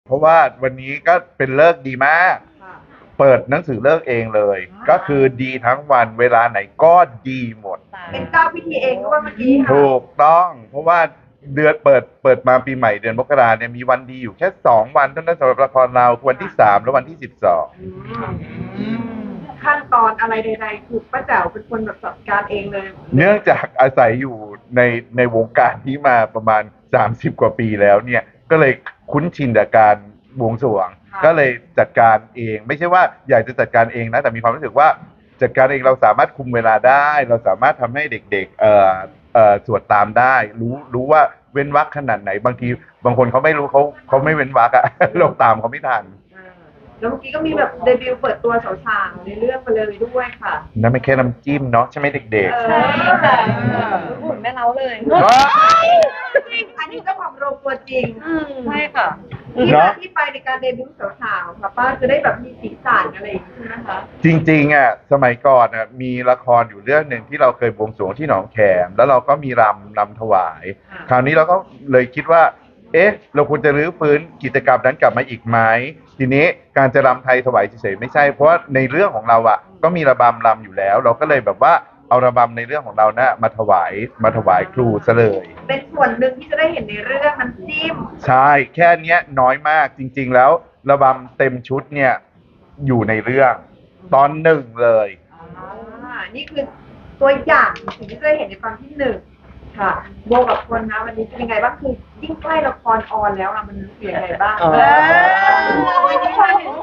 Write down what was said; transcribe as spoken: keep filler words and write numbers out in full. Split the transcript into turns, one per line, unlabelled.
เพราะว่าวันนี้ก็เป็นเลิกษ์ดีมาก
ค่ะ
เปิดหนังสือเลิกษ์เองเลย ก็คือดีทั้งวันเวลาไหนก็ดีหมด
เป็นเจ้าพิธีเองด้วยเมื่อกี้ค่ะ
ถูกต้อง เพราะว่าเดือนเปิดเปิดมาปีใหม่เดือนมกราเนี่ยมีวันดีอยู่แค่สองวันเท่านั้นสำหรับละครเราวันที่สามและวันที่สิบสอง
อืมขั้นตอนอะไรใดๆคือป้าแจ๋วเป็นคนแบบจัดการเองเลย
เนื่องจากอาศัยอยู่ในในวงการนี้มาประมาณสามสิบกว่าปีแล้วเนี่ยก็เลยคุ้นชินกับการบวงสรวง
ค่ะ
ก็เลยจัดการเอง ไม่ใช่ว่าอยากจะจัดการเองนะแต่มีความรู้สึกว่าจัดการเองเราสามารถคุมเวลาได้ เราสามารถทำให้เด็กๆเอ่อเอ่อสวดตามได้ รู้รู้ว่าเว้นวรรคขนาดไหนบางทีบางคนเขาไม่รู้เขาเขาไม่เว้นวรรคอะ เราตามเขาไม่ทัน
อ่าแล้วเมื่อกี้ก็มีแบบเดบิวต์เปิดตัวสาวๆในเรื่องไปเลยด้วยค่ะ
นั่นไม่แค่น้ำจิ้มเนาะใช่ไหมเด็ก
เอ
ๆ
อ
ใช่ค่ะหุ่นแม่เล้าเลย
ว้าย
อันนี้เจ้าของโรงตัวจริง
ใช่ค่ะ
ที่
เน
มา
อะ
ที่ไปในการเดบิวต์สาวๆค่ะป้าจะได้แบบมีสีสันอะไรอย่างนี้ใช่ไหมคะ
จริงๆอ่ะสมัยก่อนอ่ะมีละครอยู่เรื่องหนึ่งที่เราเคยบวงสรวงที่หนองแขมแล้วเราก็มีรำรำถวาย
อ่า
คราวนี้เราก็เลยคิดว่า เอ๊ะ เราควรจะรื้อฟื้นกิจกรรมนั้นกลับมาอีกไหมทีนี้การจะรำไทยถวายเฉยๆไม่ใช่เพราะว่าในเรื่องของเราอ่ะก็มีระบำรำอยู่แล้ว เราก็เลยแบบว่าเอาระบำในเรื่องของเรานะมาถวายมาถวายครูซะเลย
เป็นส่วนหนึ่งที่จะได้เห็นในเรื่องน้ำจิ้ม
ใช่แค่เนี้ยน้อยมากจริง ๆ แล้วระบำเต็มชุดเนี่ยอยู่ในเรื่องตอนหนึ่งเลย
อ่า นี่คือตัวอย่างสิ่งที่จะได้เห็นในตอนที่หนึ่งค่ะโบกับคนนะวันนี้เป็นยังไงบ้างคือยิ่งใกล้ละครออนแล้วอะมันรู้สึกยังไงบ้าง
อ๋อ
เออ